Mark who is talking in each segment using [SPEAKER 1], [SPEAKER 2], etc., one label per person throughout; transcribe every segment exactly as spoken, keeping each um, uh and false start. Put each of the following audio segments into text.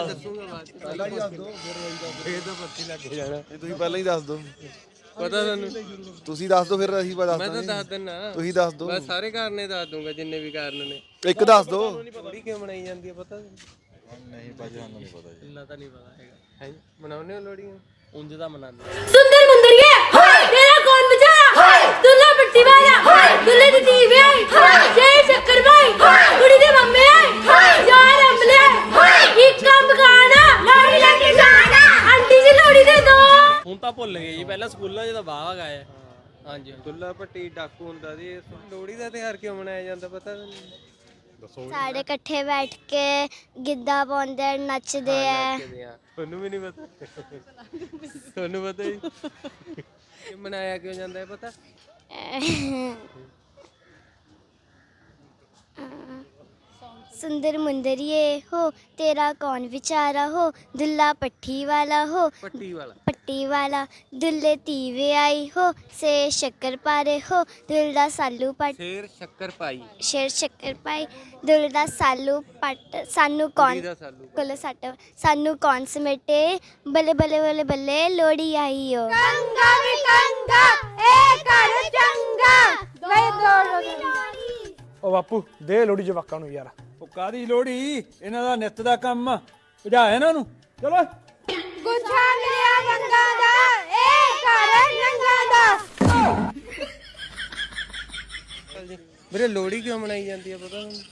[SPEAKER 1] ਦੱਸੂਗਾ ਬਾਅਦ ਚ। ਪਹਿਲਾਂ ਹੀ ਦੱਸ ਦੋ ਫਿਰ ਇਹ ਤਾਂ ਪੱਤੀ ਲੱਗ ਜਾਣਾ।
[SPEAKER 2] ਇਹ ਤੁਸੀਂ ਪਹਿਲਾਂ ਹੀ ਦੱਸ ਦਿਓ।
[SPEAKER 1] ਪਤਾ ਤੁਹਾਨੂੰ?
[SPEAKER 2] ਤੁਸੀਂ ਦੱਸ ਦਿਓ ਫਿਰ ਅਸੀਂ ਦੱਸ
[SPEAKER 1] ਮੈਂ ਤਾਂ
[SPEAKER 2] ਦਾਂਗੇ।
[SPEAKER 1] ਦੱਸ ਦਿੰਨਾ।
[SPEAKER 2] ਤੁਸੀਂ ਦੱਸ ਦਿਓ।
[SPEAKER 1] ਮੈਂ ਸਾਰੇ ਕਾਰਨ ਦੱਸ ਦੂੰਗਾ ਜਿੰਨੇ ਵੀ ਕਾਰਨ ਨੇ।
[SPEAKER 2] ਇੱਕ ਦੱਸ ਦਿਓ।
[SPEAKER 1] ਲੋਹੜੀ ਕਿਉਂ ਮਨਾਈ ਜਾਂਦੀ ਹੈ ਪਤਾ?
[SPEAKER 2] ਨਹੀਂ ਭਾਜੀ ਸਾਨੂੰ ਨਹੀਂ ਪਤਾ ਜੀ।
[SPEAKER 1] ਇੰਨਾ ਤਾਂ ਨਹੀਂ ਪਤਾ ਹੈਗਾ। ਹੈ ਮਨਾਉਂਦੇ ਹੋ ਲੋਹੜੀ? ਉਂਝ ਦਾ ਮਨਾਉਂਦੇ।
[SPEAKER 3] सुंदर मुंदरिए तेरा कौन बेचारा दुल्ला पट्टी वाला दुल्ले दी दीवे जय शक्कर भाई कुड़ी दे मम्मे यार अमले एक काम गाना लोहड़ी लेके जाना आंटी जी लोहड़ी दे दो।
[SPEAKER 4] ਹੁਣ ਤਾਂ ਭੁੱਲ ਗਏ ਜੀ, ਪਹਿਲਾਂ ਸਕੂਲਾਂ 'ਚ ਤਾਂ ਵਾਹ ਗਾਇਆ। ਹਾਂਜੀ
[SPEAKER 1] ਦੁੱਲਾ ਭੱਟੀ ਡਾਕੂ ਹੁੰਦਾ ਜੀ। ਲੋਹੜੀ ਦਾ ਤਿਉਹਾਰ ਕਿਉਂ ਮਨਾਇਆ ਜਾਂਦਾ ਪਤਾ ਤੁਹਾਨੂੰ?
[SPEAKER 5] ਸਾਰੇ ਇਕੱਠੇ ਬੈਠ ਕੇ ਗਿੱਧਾ ਪਾਉਂਦੇ ਨੱਚਦੇ ਆ।
[SPEAKER 1] ਤੁਹਾਨੂੰ ਵੀ ਨਹੀਂ ਪਤਾ? ਤੁਹਾਨੂੰ ਪਤਾ ਜੀ ਕਿ ਮਨਾਇਆ ਕਿਉਂ ਜਾਂਦਾ ਹੈ ਪਤਾ?
[SPEAKER 5] सुंदर मुंदरिए हो तेरा कौन बेचारा हो दुल्ला पट्टी वाला हो
[SPEAKER 1] ਪੱਟੀ ਵਾਲਾ।
[SPEAKER 5] पट्टी वाला दुल्ले तीवे आई हो से शक्कर पारे हो दुल्ला सालू पट
[SPEAKER 1] ਸ਼ੇਰ ਸ਼ੱਕਰ ਪਾਈ।
[SPEAKER 5] शेर शक्कर पाई दुल्ला सालू पट सानू कौन
[SPEAKER 1] ਦਾ ਸਾਲੂ
[SPEAKER 5] कोल सट सानू कौन समेटे बल्ले बल्ले बल्ले बल्ले लोहड़ी आई हो गंगा में गंगा ए कर चंगा वे दो
[SPEAKER 6] ਉਹ ਬਾਪੂ ਦੇ ਲੋੜੀ ਜਵਾਕਾਂ ਨੂੰ ਯਾਰ। ਉਹ ਕਾਦੀ ਲੋੜੀ? ਇਹਨਾਂ ਦਾ ਨਿੱਤ ਦਾ ਕੰਮ ਆ। ਭਜਾ ਇਹਨਾਂ ਨੂੰ ਚਲੋ।
[SPEAKER 5] ਗੁੱਛਾ ਮਿਲਿਆ ਗੰਗਾ ਦਾ ਏ ਕਰ ਨੰਗਾ ਦਾ।
[SPEAKER 1] ਵੀਰੇ ਲੋਹੜੀ ਕਿਉਂ ਮਨਾਈ ਜਾਂਦੀ ਹੈ ਪਤਾ ਤੁਹਾਨੂੰ?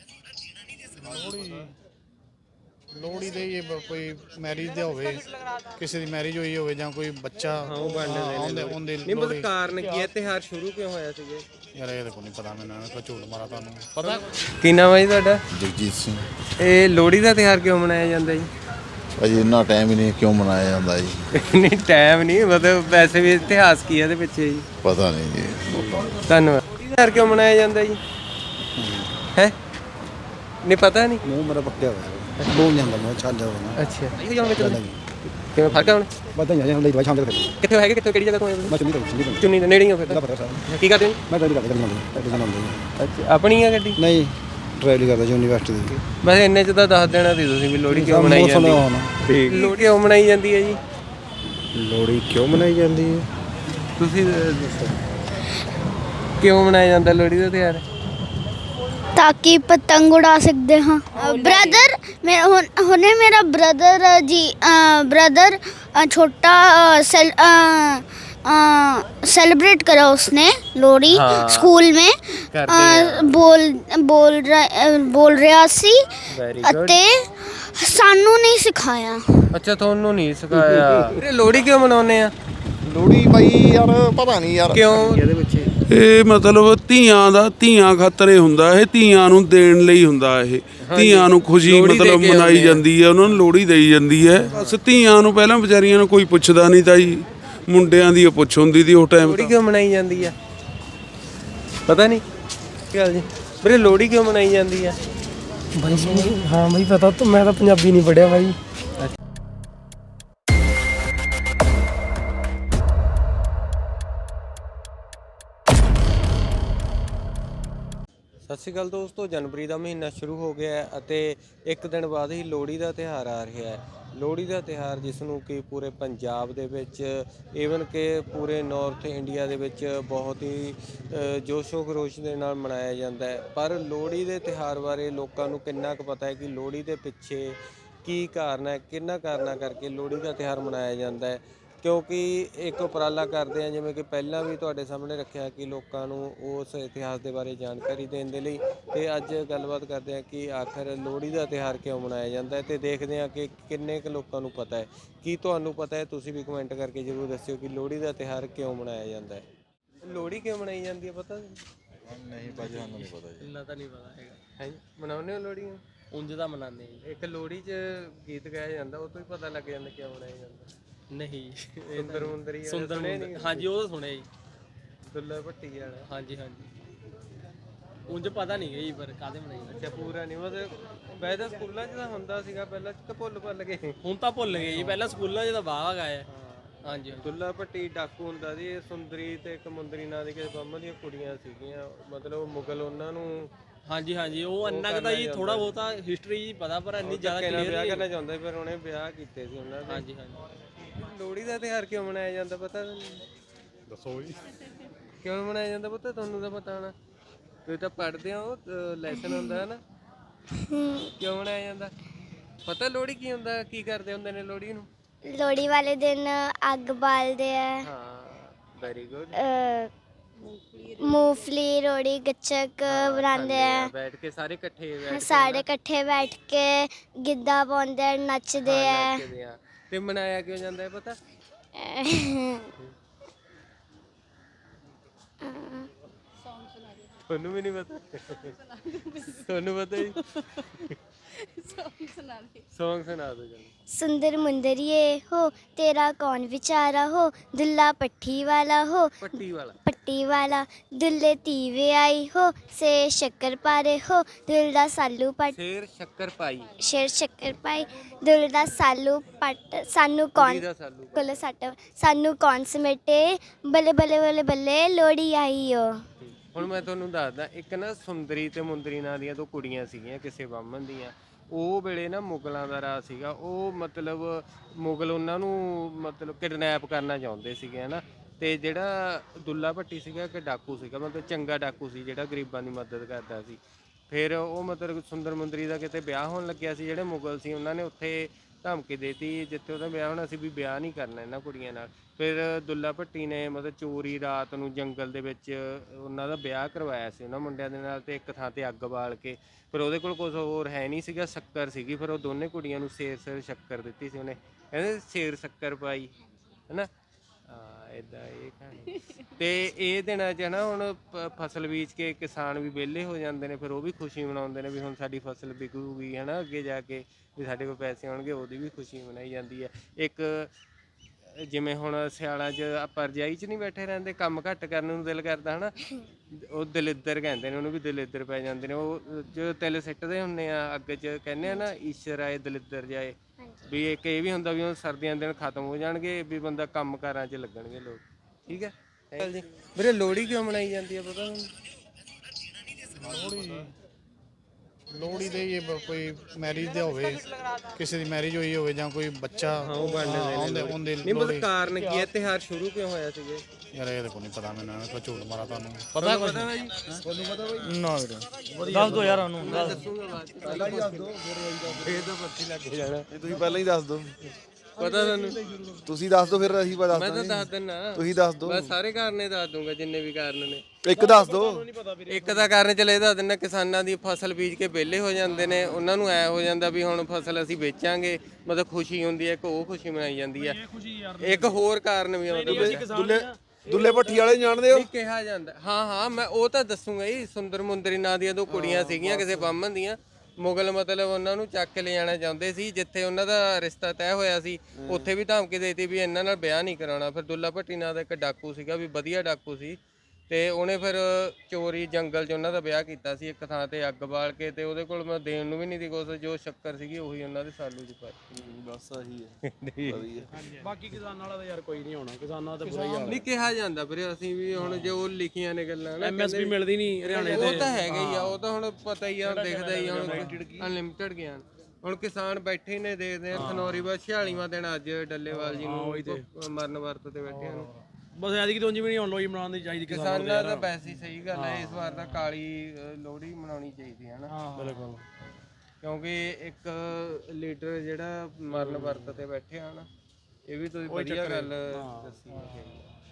[SPEAKER 7] ਲੋਹੜੀ ਦੇ ਇਹ ਕੋਈ ਮੈਰਿਜ ਦੇ ਹੋਵੇ, ਕਿਸੇ ਦੀ ਮੈਰਿਜ ਹੋਈ ਹੋਵੇ ਜਾਂ ਕੋਈ ਬੱਚਾ ਉਹਦੇ ਉਹਦੇ
[SPEAKER 1] ਨਹੀਂ ਮਤਲਬ ਕਾਰਨ ਕੀ ਹੈ? ਤਿਉਹਾਰ ਸ਼ੁਰੂ ਕਿਉਂ ਹੋਇਆ ਸੀਗਾ?
[SPEAKER 7] ਯਾਰ ਇਹ ਤਾਂ ਨਹੀਂ ਪਤਾ ਮੈਨੂੰ, ਕੋਈ ਝੂਠ ਮਾਰਾ ਤੁਹਾਨੂੰ ਪਤਾ।
[SPEAKER 1] ਕੀ ਨਾਮ ਹੈ ਜੀ ਤੁਹਾਡਾ?
[SPEAKER 2] ਜਗਜੀਤ ਸਿੰਘ।
[SPEAKER 1] ਇਹ ਲੋਹੜੀ ਦਾ ਤਿਉਹਾਰ ਕਿਉਂ ਮਨਾਇਆ ਜਾਂਦਾ ਜੀ?
[SPEAKER 2] ਭਾਜੀ ਇੰਨਾ ਟਾਈਮ ਹੀ ਨਹੀਂ ਕਿਉਂ ਮਨਾਇਆ ਜਾਂਦਾ ਜੀ।
[SPEAKER 1] ਨਹੀਂ ਟਾਈਮ ਨਹੀਂ, ਮਤਲਬ ਵੈਸੇ ਵੀ ਇਤਿਹਾਸ ਕੀ ਹੈ ਇਹਦੇ ਪਿੱਛੇ ਜੀ?
[SPEAKER 2] ਪਤਾ ਨਹੀਂ ਜੀ।
[SPEAKER 1] ਧੰਨਵਾਦ। ਲੋਹੜੀ ਦਾ ਤਿਉਹਾਰ ਕਿਉਂ ਮਨਾਇਆ ਜਾਂਦਾ ਜੀ? ਹੈ ਨਹੀਂ ਪਤਾ? ਨਹੀਂ
[SPEAKER 8] ਮੂੰਹ ਮੇਰਾ ਪੱਕਿਆ ਹੋਇਆ ਬੋਲ ਜਾਂਦਾ ਮੈਂ ਛੱਡ ਜਾਵਾਂ।
[SPEAKER 1] ਅੱਛਾ ਕਿਵੇਂ ਫਰਕ ਆ ਹੁਣ?
[SPEAKER 8] ਪਤਾ ਨਹੀਂ ਜਾਂਦਾ ਦਵਾਈ ਸ਼ਾਮ ਤੱਕ
[SPEAKER 1] ਕਿੱਥੇ ਹੈਗੇ? ਕਿੱਥੇ ਕਿਹੜੀ ਜਗ੍ਹਾ ਤੋਂ ਆਏ?
[SPEAKER 8] ਮੈਂ ਚੁੰਨੀ ਚੁੰਨੀ ਚੁੰਨੀ
[SPEAKER 1] ਚੁੰਨੀ ਦੇ ਨੇੜੇ ਹੀ ਹੋ ਫਿਰ?
[SPEAKER 8] ਪਤਾ ਸਰ
[SPEAKER 1] ਕੀ ਕਰਦੇ ਹੋ?
[SPEAKER 8] ਮੈਂ ਤਾਂ ਨਹੀਂ ਕਰਦਾ ਨਹੀਂ
[SPEAKER 1] ਅੱਛਾ ਆਪਣੀ ਆ ਗੱਡੀ?
[SPEAKER 8] ਨਹੀਂ ਟਰੈਵਲ ਕਰਦਾ ਯੂਨੀਵਰਸਿਟੀ ਦੀ।
[SPEAKER 1] ਬਸ ਇੰਨੇ ਚ ਤਾਂ ਦੱਸ ਦੇਣਾ ਸੀ ਤੁਸੀਂ ਵੀ ਲੋਹੜੀ ਕਿਉਂ ਮਨਾਈ ਜਾਂਦੀ ਹੈ। ਠੀਕ। ਲੋਹੜੀ ਕਿਉਂ ਮਨਾਈ ਜਾਂਦੀ ਹੈ ਜੀ?
[SPEAKER 8] ਲੋਹੜੀ ਕਿਉਂ ਮਨਾਈ ਜਾਂਦੀ ਹੈ?
[SPEAKER 1] ਤੁਸੀਂ ਦੱਸੋ ਕਿਉਂ ਮਨਾਇਆ ਜਾਂਦਾ ਲੋਹੜੀ ਦਾ ਤਿਉਹਾਰ?
[SPEAKER 5] ताकि पतंग उड़ा सकते हाँ। ब्रदर मैं होने मेरा ब्रदर जी ब्रदर छोटा सेल सेलिब्रेट करा उसने लोहड़ी स्कूल में आ, बोल बोल रहा बोल रहा सी ਅਤੇ ਸਾਨੂੰ ਨਹੀਂ ਸਿਖਾਇਆ।
[SPEAKER 1] ਅੱਛਾ ਤੁਹਾਨੂੰ ਨਹੀਂ ਸਿਖਾਇਆ। ਵੀਰੇ ਲੋਹੜੀ ਕਿਉਂ ਮਨਾਉਂਦੇ ਆ?
[SPEAKER 2] ਲੋਹੜੀ ਬਾਈ ਯਾਰ ਪਤਾ ਨਹੀਂ ਯਾਰ
[SPEAKER 1] ਕਿਉਂ?
[SPEAKER 2] ਇਹਦੇ ਵਿੱਚ
[SPEAKER 9] ਇਹ ਮਤਲਬ ਧੀਆਂ ਦਾ ਧੀਆਂ ਖਾਤਰ ਇਹ ਹੁੰਦਾ, ਇਹ ਧੀਆਂ ਨੂੰ ਦੇਣ ਲਈ ਹੁੰਦਾ। ਇਹ ਧੀਆਂ ਨੂੰ ਖੁਸ਼ੀ ਮਤਲਬ ਮਨਾਈ ਜਾਂਦੀ ਹੈ, ਉਹਨਾਂ ਨੂੰ ਲੋਹੜੀ ਦੇਈ ਜਾਂਦੀ ਹੈ। ਬਸ ਧੀਆਂ ਨੂੰ ਪਹਿਲਾਂ ਵਿਚਾਰੀਆਂ ਨੂੰ ਕੋਈ ਪੁੱਛਦਾ ਨਹੀਂ ਤਾਂ ਜੀ, ਮੁੰਡਿਆਂ ਦੀ ਪੁੱਛ ਹੁੰਦੀ ਸੀ ਉਸ ਟਾਈਮ।
[SPEAKER 1] ਲੋਹੜੀ ਕਿਉਂ ਮਨਾਈ ਜਾਂਦੀ ਆ ਪਤਾ ਨਹੀਂ? ਕੀ ਗੱਲ ਜੀ ਵੀਰੇ ਲੋਹੜੀ ਕਿਉਂ ਮਨਾਈ ਜਾਂਦੀ ਆ?
[SPEAKER 6] ਭਾਈ ਹਾਂ ਭਾਈ ਪਤਾ ਤਾਂ ਮੈਂ ਤਾਂ ਪੰਜਾਬੀ ਨਹੀਂ ਪੜ੍ਹਿਆ ਭਾਈ।
[SPEAKER 1] ਸਤਿ ਸ਼੍ਰੀ ਅਕਾਲ ਦੋਸਤੋ। ਜਨਵਰੀ ਦਾ ਮਹੀਨਾ ਸ਼ੁਰੂ ਹੋ ਗਿਆ ਹੈ ਅਤੇ ਇੱਕ ਦਿਨ ਬਾਅਦ ਹੀ ਲੋਹੜੀ ਦਾ ਤਿਉਹਾਰ ਆ ਰਿਹਾ ਹੈ। ਲੋਹੜੀ ਦਾ ਤਿਉਹਾਰ ਜਿਸ ਨੂੰ ਕਿ ਪੂਰੇ ਪੰਜਾਬ ਦੇ ਵਿੱਚ ਈਵਨ ਕਿ ਪੂਰੇ ਨਾਰਥ ਇੰਡੀਆ ਦੇ ਵਿੱਚ ਬਹੁਤ ਹੀ ਜੋਸ਼ੋ ਖਰੋਸ਼ ਦੇ ਨਾਲ ਮਨਾਇਆ ਜਾਂਦਾ ਹੈ। ਪਰ ਲੋਹੜੀ ਦੇ ਤਿਉਹਾਰ ਬਾਰੇ ਲੋਕਾਂ ਨੂੰ ਕਿੰਨਾ ਕੁ ਪਤਾ ਹੈ ਕਿ ਲੋਹੜੀ ਦੇ ਪਿੱਛੇ ਕੀ ਕਾਰਨ ਹੈ, ਕਿੰਨਾ ਕਾਰਨਾਂ ਕਰਕੇ ਲੋਹੜੀ ਦਾ ਤਿਉਹਾਰ ਮਨਾਇਆ ਜਾਂਦਾ ਹੈ? ਕਿਉਂਕਿ ਇੱਕ ਉਪਰਾਲਾ ਕਰਦੇ ਆ ਜਿਵੇਂ ਕਿ ਪਹਿਲਾਂ ਵੀ ਤੁਹਾਡੇ ਸਾਹਮਣੇ ਰੱਖਿਆ ਕਿ ਲੋਕਾਂ ਨੂੰ ਉਸ ਇਤਿਹਾਸ ਦੇ ਬਾਰੇ ਜਾਣਕਾਰੀ ਦੇਣ ਦੇ ਲਈ। ਤੇ ਅੱਜ ਗੱਲਬਾਤ ਕਰਦੇ ਆ ਕਿ ਆਖਰ ਲੋਹੜੀ ਦਾ ਤਿਉਹਾਰ ਕਿਉਂ ਮਨਾਇਆ ਜਾਂਦਾ ਹੈ ਤੇ ਦੇਖਦੇ ਆ ਕਿ ਕਿੰਨੇ ਕੁ ਲੋਕਾਂ ਨੂੰ ਪਤਾ ਹੈ। ਕੀ ਤੁਹਾਨੂੰ ਪਤਾ ਹੈ? ਤੁਸੀਂ ਵੀ ਕਮੈਂਟ ਕਰਕੇ ਜ਼ਰੂਰ ਦੱਸਿਓ ਕਿ ਲੋਹੜੀ ਦਾ ਤਿਉਹਾਰ ਕਿਉਂ ਮਨਾਇਆ ਜਾਂਦਾ ਹੈ। ਲੋਹੜੀ ਕਿਉਂ ਮਨਾਈ ਜਾਂਦੀ ਹੈ ਪਤਾ?
[SPEAKER 2] ਨਹੀਂ ਭਾਜੀ ਸਾਨੂੰ ਨਹੀਂ ਪਤਾ ਜੀ।
[SPEAKER 4] ਇੰਨਾ ਤਾਂ ਨਹੀਂ ਪਤਾ ਹੈਗਾ।
[SPEAKER 1] ਹੈ ਮਨਾਉਂਦੇ ਹੋ ਲੋਹੜੀ?
[SPEAKER 4] ਉਂਝ ਦਾ ਮਨਾਉਂਦੇ ਜੀ।
[SPEAKER 1] ਇੱਕ ਲੋਹੜੀ 'ਚ ਗੀਤ ਗਾਇਆ ਜਾਂਦਾ, ਉਹ ਤੋਂ ਹੀ ਪਤਾ ਲੱਗ ਜਾਂਦਾ ਕਿਉਂ ਮਨਾਇਆ ਜਾਂਦਾ।
[SPEAKER 4] ਨਹੀਂ
[SPEAKER 1] ਸੁੰਦਰ ਮੁੰਦਰੀ
[SPEAKER 4] ਸੁੰਦਰ ਹਾਂਜੀ ਉਹ ਤਾਂ ਸੁਣਿਆ ਜੀ।
[SPEAKER 1] ਦੁੱਲਾ ਭੱਟੀ ਵਾਲਾ?
[SPEAKER 4] ਹਾਂਜੀ ਹਾਂਜੀ ਉਂਝ ਪਤਾ ਨਹੀਂ ਗਈ ਪਰ ਕਾਹਦੇ ਮਨਾਈ।
[SPEAKER 1] ਅੱਛਾ ਪੂਰਾ ਨਹੀਂ ਮਤਲਬ ਵੈਸੇ ਸਕੂਲਾਂ 'ਚ ਤਾਂ ਹੁੰਦਾ ਸੀਗਾ ਪਹਿਲਾਂ, ਤਾਂ ਭੁੱਲ ਭੁੱਲ ਗਏ।
[SPEAKER 4] ਹੁਣ ਤਾਂ ਭੁੱਲ ਗਏ ਜੀ, ਪਹਿਲਾਂ ਸਕੂਲਾਂ 'ਚ ਤਾਂ ਵਾਹ ਗਾਇਆ। ਹਾਂਜੀ
[SPEAKER 1] ਦੁੱਲਾ ਭੱਟੀ ਡਾਕੂ ਹੁੰਦਾ ਸੀ। ਸੁੰਦਰੀ ਤੇ ਇੱਕ ਮੁੰਦਰੀ ਨਾਂ ਦੀ ਕਿਸੇ ਬੰਮ ਦੀਆਂ ਕੁੜੀਆਂ ਸੀਗੀਆਂ, ਮਤਲਬ ਮੁਗਲ ਉਹਨਾਂ ਨੂੰ
[SPEAKER 4] ਹਾਂਜੀ ਹਾਂਜੀ ਉਹ ਅੰਨਾ ਕੁ ਤਾਂ ਜੀ ਥੋੜਾ ਬਹੁਤਾ ਹਿਸਟਰੀ ਜੀ ਪਤਾ ਪਰ ਇੰਨੀ ਜ਼ਿਆਦਾ
[SPEAKER 1] ਧੱਕੇ ਨਾਲ ਵਿਆਹ
[SPEAKER 4] ਕਲੀਅਰ
[SPEAKER 1] ਕਰਨਾ ਚਾਹੁੰਦੇ ਫਿਰ ਉਹਨੇ ਵਿਆਹ ਕੀਤੇ ਸੀ ਉਹਨਾਂ ਦੇ।
[SPEAKER 4] ਹਾਂਜੀ ਹਾਂਜੀ
[SPEAKER 1] ਲੋਹੜੀ ਦਾ ਤਿਉਹਾਰ ਕਿਉਂ ਮਨਾਇਆ ਜਾਂਦਾ ਪਤਾ ਤੁਹਾਨੂੰ?
[SPEAKER 2] ਦੱਸੋ ਜੀ।
[SPEAKER 1] ਕਿਉਂ ਮਨਾਇਆ ਜਾਂਦਾ ਪਤਾ ਤੁਹਾਨੂੰ? ਤਾਂ ਪਤਾ ਹੋਣਾ, ਤੁਸੀਂ ਤਾਂ ਪੜ੍ਹਦੇ ਹੋ, ਲੈਸਨ ਹੁੰਦਾ ਹੈ ਨਾ। ਕਿਉਂ ਮਨਾਇਆ ਜਾਂਦਾ ਪਤਾ? ਲੋਹੜੀ ਕੀ ਹੁੰਦਾ, ਕੀ ਕਰਦੇ ਹੁੰਦੇ ਨੇ ਲੋਹੜੀ ਨੂੰ?
[SPEAKER 5] ਲੋਹੜੀ ਵਾਲੇ ਦਿਨ ਅੱਗ ਬਾਲਦੇ ਆ,
[SPEAKER 1] ਹਾਂ ਵੈਰੀ ਗੁੱਡ।
[SPEAKER 5] ਮੂੰਗਫਲੀ ਰੋੜੀ ਗੱਚਕ ਬਣਾਉਂਦੇ ਆ,
[SPEAKER 1] ਬੈਠ ਕੇ ਸਾਰੇ ਇਕੱਠੇ ਬੈਠ ਕੇ
[SPEAKER 5] ਸਾਰੇ ਇਕੱਠੇ ਬੈਠ ਕੇ ਗਿੱਧਾ ਪਾਉਂਦੇ ਆ, ਨੱਚਦੇ ਆ।
[SPEAKER 1] ਨੱਚਦੇ ਆ। ਤੇ ਮਨਾਇਆ ਕਿਉਂ ਜਾਂਦਾ ਹੈ ਪਤਾ? ਤੁਹਾਨੂੰ ਵੀ ਨਹੀਂ ਪਤਾ? ਤੁਹਾਨੂੰ ਪਤਾ ਜੀ? ਸੌਂਗ ਸੁਣਾ ਦਿਓ ਜਲਦੀ।
[SPEAKER 5] सुंदर मुंदरिए हो तेरा कौन बेचारा हो, दुल्ला पट्टी वाला हो,
[SPEAKER 1] ਪੱਟੀ ਵਾਲਾ।
[SPEAKER 5] पट्टी वाला दुल्ले तीवे आई हो, से शक्कर पारे हो, दुल्ला सालू पट
[SPEAKER 1] ਸ਼ੇਰ ਸ਼ੱਕਰ ਪਾਈ।
[SPEAKER 5] शेर शक्कर पाई, दुल्ला सालू पट सानू कौन
[SPEAKER 1] ਦਾ ਸਾਲੂ
[SPEAKER 5] कोले सट सानू कौन समेटे, बल्ले बल्ले बल्ले बल्ले लोहड़ी आई हो।
[SPEAKER 1] ਹੁਣ ਮੈਂ ਤੁਹਾਨੂੰ ਦੱਸਦਾ, ਇੱਕ ਨਾ ਸੁੰਦਰੀ ਤੇ ਮੁੰਦਰੀ ਨਾਂ ਦੀਆਂ ਦੋ ਕੁੜੀਆਂ ਸੀਗੀਆਂ ਕਿਸੇ ਬਾਹਮਣ ਦੀਆਂ। ਉਹ ਵੇਲੇ ਨਾ ਮੁਗਲਾਂ ਦਾ ਰਾਜ ਸੀਗਾ, ਉਹ ਮਤਲਬ ਮੁਗਲ ਉਹਨਾਂ ਨੂੰ ਮਤਲਬ ਕਿਡਨੈਪ ਕਰਨਾ ਚਾਹੁੰਦੇ ਸੀਗੇ ਹੈ ਨਾ। ਤੇ ਜਿਹੜਾ ਦੁੱਲਾ ਭੱਟੀ ਸੀਗਾ ਇੱਕ ਡਾਕੂ ਸੀਗਾ, ਮਤਲਬ ਚੰਗਾ ਡਾਕੂ ਸੀ ਜਿਹੜਾ ਗਰੀਬਾਂ ਦੀ ਮਦਦ ਕਰਦਾ ਸੀ। ਫਿਰ ਉਹ ਮਤਲਬ ਸੁੰਦਰ ਮੁੰਦਰੀ ਦਾ ਕਿਤੇ ਵਿਆਹ ਹੋਣ ਲੱਗਿਆ ਸੀ, ਜਿਹੜੇ ਮੁਗਲ ਸੀ ਉਹਨਾਂ ਨੇ ਉੱਥੇ ਧਮਕੀ ਦੇਤੀ ਜਿੱਥੇ ਉਹਦਾ ਵਿਆਹ ਹੋਣਾ ਸੀ ਵੀ ਵਿਆਹ ਨਹੀਂ ਕਰਨਾ ਇਹਨਾਂ ਕੁੜੀਆਂ ਨਾਲ। ਫਿਰ ਦੁੱਲਾ ਭੱਟੀ ਨੇ ਮਤਲਬ ਚੋਰੀ ਰਾਤ ਨੂੰ ਜੰਗਲ ਦੇ ਵਿੱਚ ਉਹਨਾਂ ਦਾ ਵਿਆਹ ਕਰਵਾਇਆ ਸੀ ਉਹਨਾਂ ਮੁੰਡਿਆਂ ਦੇ ਨਾਲ, ਤੇ ਇੱਕ ਥਾਂ ਤੇ ਅੱਗ ਬਾਲ ਕੇ। ਫਿਰ ਉਹਦੇ ਕੋਲ ਕੁਝ ਹੋਰ ਹੈ ਨਹੀਂ ਸੀਗਾ, ਸ਼ੱਕਰ ਸੀਗੀ। ਫਿਰ ਉਹ ਦੋਨੇ ਕੁੜੀਆਂ ਨੂੰ ਸੇਰ ਸੇਰ ਸ਼ੱਕਰ ਦਿੱਤੀ ਸੀ ਉਹਨੇ, ਕਹਿੰਦੇ ਸੇਰ ਸ਼ੱਕਰ ਪਾਈ ਹੈ ਨਾ। ਹਾਂ ਇੱਦਾਂ ਇਹ ਕਹਾਣੀ। ਤੇ ਇਹ ਦਿਨਾਂ 'ਚ ਨਾ ਹੁਣ ਪ- ਫਸਲ ਬੀਜ ਕੇ ਕਿਸਾਨ ਵੀ ਵਿਹਲੇ ਹੋ ਜਾਂਦੇ ਨੇ, ਫਿਰ ਉਹ ਵੀ ਖੁਸ਼ੀ ਮਨਾਉਂਦੇ ਨੇ ਵੀ ਹੁਣ ਸਾਡੀ ਫਸਲ ਵਿਕੂਗੀ ਹੈ ਨਾ ਅੱਗੇ ਜਾ ਕੇ, ਵੀ ਸਾਡੇ ਕੋਲ ਪੈਸੇ ਆਉਣਗੇ, ਉਹਦੀ ਵੀ ਖੁਸ਼ੀ ਮਨਾਈ ਜਾਂਦੀ ਹੈ। ਇੱਕ ਜਿਵੇਂ ਹੁਣ ਸਿਆਲਾਂ 'ਚ ਆਪਾਂ ਰਜਾਈ 'ਚ ਨਹੀਂ ਬੈਠੇ ਰਹਿੰਦੇ, ਕੰਮ ਘੱਟ ਕਰਨ ਨੂੰ ਦਿਲ ਕਰਦਾ ਹੈ ਨਾ, ਉਹ ਦਲਿੱਦਰ ਕਹਿੰਦੇ ਨੇ ਉਹਨੂੰ, ਵੀ ਦਲਿੱਦਰ ਪੈ ਜਾਂਦੇ ਨੇ। ਉਹ ਜੋ ਤਿਲ ਸਿੱਟਦੇ ਹੁੰਦੇ ਆ ਅੱਗ 'ਚ, ਕਹਿੰਦੇ ਆ ਨਾ ਈਸ਼ਰ ਆਏ ਦਲਿੱਦਰ ਜਾਏ, ਵੀ ਇੱਕ ਇਹ ਵੀ ਹੁੰਦਾ ਵੀ ਹੁਣ ਸਰਦੀਆਂ ਦੇ ਦਿਨ ਖਤਮ ਹੋ ਜਾਣਗੇ, ਵੀ ਬੰਦਾ ਕੰਮ ਕਾਰਾਂ 'ਚ ਲੱਗਣਗੇ ਲੋਕ। ਠੀਕ ਹੈ ਜੀ ਵੀਰੇ। ਲੋਹੜੀ ਕਿਉਂ ਮਨਾਈ ਜਾਂਦੀ ਹੈ ਪਤਾ ਤੁਹਾਨੂੰ?
[SPEAKER 7] ਲੋਹੜੀ ਲੋਹੜੀ ਦੇ ਇਹ ਬ- ਕੋਈ ਮੈਰਿਜ ਦੇ ਹੋਵੇ, ਕਿਸੇ ਦੀ ਮੈਰਿਜ ਹੋਈ ਹੋਵੇ ਜਾਂ ਕੋਈ ਬੱਚਾ ਆਉਂਦੇ ਉਹਦੇ
[SPEAKER 1] ਨਹੀਂ ਮਤਲਬ ਕਾਰਨ ਕੀ ਹੈ, ਤਿਉਹਾਰ ਸ਼ੁਰੂ ਕਿਉਂ ਹੋਇਆ ਸੀਗੇ?
[SPEAKER 7] ਯਾਰ ਇਹ ਤਾਂ ਕੋਈ ਨਹੀਂ ਪਤਾ ਮੈਨੂੰ, ਕੋਈ ਝੂਠ ਮਾਰਾ ਤੁਹਾਨੂੰ ਪਤਾ ਕੁਝ
[SPEAKER 1] ਪਤਾ ਜੀ?
[SPEAKER 7] ਤੁਹਾਨੂੰ ਪਤਾ ਬਾਈ ਨਾ ਵੀਰੇ।
[SPEAKER 6] ਦੱਸ ਦੋ ਯਾਰ ਉਹਨੂੰ।
[SPEAKER 1] ਮੈਂ ਦੱਸੂਗਾ ਬਾਅਦ 'ਚ। ਪਹਿਲਾਂ ਹੀ ਦੱਸ ਦਿਓ, ਫਿਰ ਇਹ ਤਾਂ ਪੱਤੀ ਲੱਗ ਜਾਣਾ।
[SPEAKER 2] ਤੁਸੀਂ ਪਹਿਲਾਂ ਹੀ ਦੱਸ ਦਿਓ।
[SPEAKER 1] ਪਤਾ ਤੁਹਾਨੂੰ?
[SPEAKER 2] ਤੁਸੀਂ ਦੱਸ ਦਿਓ ਫਿਰ ਅਸੀਂ ਦੱਸ
[SPEAKER 1] ਮੈਂ ਤਾਂ ਦੱਸ ਦਿੰਨਾ।
[SPEAKER 2] ਤੁਸੀਂ ਦੱਸ ਦਿਓ।
[SPEAKER 1] ਮੈਂ ਸਾਰੇ ਕਾਰਨੇ ਦੱਸ ਦੂੰਗਾ ਜਿੰਨੇ ਵੀ ਕਾਰਨ ਨੇ।
[SPEAKER 2] ਇੱਕ ਦੱਸ ਦਿਓ।
[SPEAKER 1] ਇੱਕ ਦਾ ਕਾਰਨ ਚਲੇ ਦੱਸ ਦਿੰਦਾ, ਕਿਸਾਨਾਂ ਦੀ ਫਸਲ ਬੀਜ ਕੇ ਵਿਹਲੇ ਹੋ ਜਾਂਦੇ ਨੇ, ਉਹਨਾਂ ਨੂੰ ਐ ਹੋ ਜਾਂਦਾ ਵੀ ਹੁਣ ਫਸਲ ਅਸੀਂ ਵੇਚਾਂਗੇ, ਮਤਲਬ ਖੁਸ਼ੀ ਹੁੰਦੀ ਹੈ, ਇੱਕ ਉਹ ਖੁਸ਼ੀ ਮਨਾਈ ਜਾਂਦੀ ਹੈ। ਇੱਕ ਹੋਰ ਕਾਰਨ ਵੀ ਹੈ, ਮਤਲਬ
[SPEAKER 2] ਦੁੱਲੇ ਦੁੱਲੇ ਭੱਠੀ ਵਾਲੇ ਜਾਣਦੇ ਹੋ?
[SPEAKER 1] ਨਹੀਂ ਕਿਹਾ ਜਾਂਦਾ। ਹਾਂ ਹਾਂ ਮੈਂ ਉਹ ਤਾਂ ਦੱਸੂਗਾ ਹੀ। ਸੁੰਦਰ ਮੁੰਦਰੀ ਨਾਂ ਦੀਆਂ ਦੋ ਕੁੜੀਆਂ ਸੀਗੀਆਂ ਕਿਸੇ ਬਾਹਮਣ ਦੀਆਂ, ਮੁਗਲ ਮਤਲਬ ਉਹਨਾਂ ਨੂੰ ਚੱਕ ਕੇ ਲੈ ਜਾਣਾ ਚਾਹੁੰਦੇ ਸੀ, ਜਿੱਥੇ ਉਹਨਾਂ ਦਾ ਰਿਸ਼ਤਾ ਤੈਅ ਹੋਇਆ ਸੀ ਉੱਥੇ ਵੀ ਧਮਕੀ ਦੇਤੀ ਵੀ ਇਹਨਾਂ ਨਾਲ ਵਿਆਹ ਨਹੀਂ ਕਰਾਉਣਾ। ਫਿਰ ਦੁੱਲਾ ਭੱਟੀ ਨਾਂ ਦਾ ਇੱਕ ਡਾਕੂ ਸੀਗਾ, ਵੀ ਵਧੀਆ ਡਾਕੂ ਸੀ, ਤੇ ਉਹਨੇ ਫਿਰ ਚੋਰੀ ਜੰਗਲ 'ਚ ਉਹਨਾਂ ਦਾ ਵਿਆਹ ਕੀਤਾ ਸੀ ਇੱਕ ਥਾਂ ਤੇ ਅੱਗ ਬਾਲ ਕੇ। ਤੇ ਉਹਦੇ ਕੋਲ ਮੈਂ ਦੇਣ ਨੂੰ ਵੀ ਨਹੀਂ ਸੀ ਕੁਛ, ਜੋ ਸ਼ੱਕਰ ਸੀਗੀ ਉਹੀ ਉਹਨਾਂ ਦੇ ਸਾਲੂ 'ਚ ਪਾਈ।
[SPEAKER 2] ਬਸ ਆਹੀ ਹੈ।
[SPEAKER 6] ਬਾਕੀ ਕਿਸਾਨਾਂ ਵਾਲਾ ਤਾਂ ਯਾਰ ਕੋਈ ਨਹੀਂ ਹੋਣਾ, ਕਿਸਾਨਾਂ ਦਾ ਬੁਰਾ ਹੀ ਹਾਲ
[SPEAKER 1] ਨਹੀਂ ਕਿਹਾ ਜਾਂਦਾ ਵੀਰੇ, ਅਸੀਂ ਵੀ ਹੁਣ ਜੋ ਲਿਖੀਆਂ ਨੇ ਗੱਲਾਂ ਨਾ,
[SPEAKER 6] ਐਮਐਸਪੀ ਮਿਲਦੀ ਨਹੀਂ ਹਰਿਆਣੇ
[SPEAKER 1] ਉਹ ਤਾਂ ਹੈਗਾ ਹੀ ਆ, ਉਹ ਤਾਂ ਹੁਣ ਪਤਾ ਹੀ ਆ, ਦਿਖਦਾ ਹੀ ਆ ਹੁਣ ਅਨਲਿਮਿਟਡ ਗਿਆਨ। ਹੁਣ ਕਿਸਾਨ ਬੈਠੇ ਨੇ, ਦੇਖਦੇ ਆ ਖਨੌਰੀ ਬਾ ਛਿਆਲੀਵਾਂ ਦਿਨ ਅੱਜ ਡੱਲੇਵਾਲ ਜੀ ਨੂੰ ਮਰਨ ਵਰਤ ਤੇ ਬੈਠਿਆਂ ਨੂੰ।
[SPEAKER 6] ਬਸ ਐਤਕੀ ਤੋਂ ਜਿਵੇਂ ਨਹੀਂ ਹੁਣ ਲੋਹੜੀ ਮਨਾਉਣ ਦੀ ਚਾਹੀਦੀ ਕਿਸਾਨਾਂ
[SPEAKER 1] ਕਿਸਾਨਾਂ ਦਾ ਵੈਸੇ ਹੀ ਸਹੀ ਗੱਲ ਹੈ, ਇਸ ਵਾਰ ਤਾਂ ਕਾਲੀ ਅ, ਲੋਹੜੀ ਮਨਾਉਣੀ ਚਾਹੀਦੀ ਹੈ ਨਾ,
[SPEAKER 6] ਬਿਲਕੁਲ।
[SPEAKER 1] ਕਿਉਂਕਿ ਇੱਕ ਲੀਡਰ ਜਿਹੜਾ ਮਰਨ ਵਰਤ ਤੇ ਬੈਠਿਆ ਨਾ, ਇਹ ਵੀ ਤੁਸੀਂ ਵਧੀਆ ਗੱਲ ਦੱਸੀ ਹੈ।